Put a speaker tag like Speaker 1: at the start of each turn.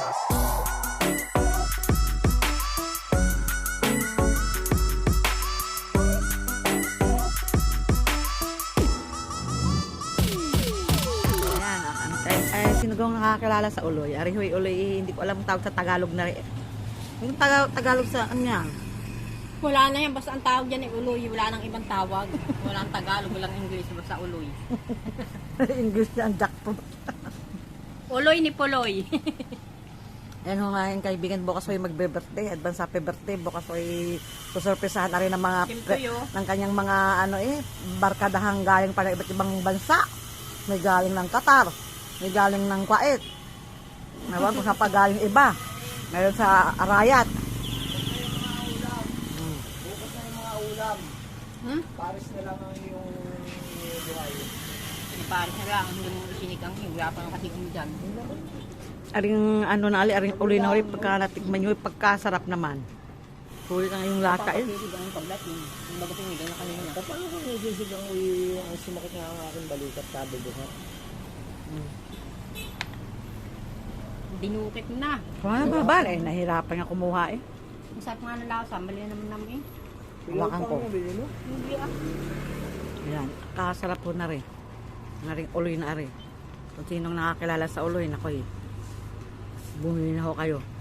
Speaker 1: Sinugong nakakilala sa uloy. Arihoy uloy, hindi ko alam ang tawag sa Tagalog na rin. Yung Tagalog sa kanya.
Speaker 2: Wala na yan, basta ang tawag yan ay uloy. Wala nang ibang tawag. Walang Tagalog, walang English, basta uloy.
Speaker 1: English na ang jackpot.
Speaker 2: Uloy ni Puloy.
Speaker 1: Yan ho nga yung kaibigan, bukas ho'y magbe-birthday, advance happy birthday, bukas ho'y susurpresahan na rin ng mga ng kanyang mga barkadahang galing pa ng iba't ibang bansa. May galing ng Qatar, may galing ng Kuwait. Nawan kung saan pa galing iba. Ngayon sa Arayat.
Speaker 3: Bukas na yung mga ulam. Paris na lang ang yung buhay.
Speaker 2: Paris na lang, hindi mo sinigang, wala pa nga kasi dyan.
Speaker 1: Aring ano na ali, aring uloy na ulit pagka natikman nyo, pagkasarap naman. Huli na yung laka eh.
Speaker 2: Papasisigang yung pagdating. Yung bago tinigang na kanina.
Speaker 3: Paano kung nasisigang ang sumakit nga ang aking balikat sabi buhat?
Speaker 2: Dinukit na.
Speaker 1: Wala ba ba? Nahirapan nga kumuha eh.
Speaker 2: Masarap nga ng lasa, mali naman namin eh.
Speaker 1: Hawakan ko.
Speaker 2: Hindi ah.
Speaker 1: Ayan, kakasarap po na rin. Naring uloy na rin. Kung sinong nakakilala sa uloy, nakoy. Bumili na ho kayo.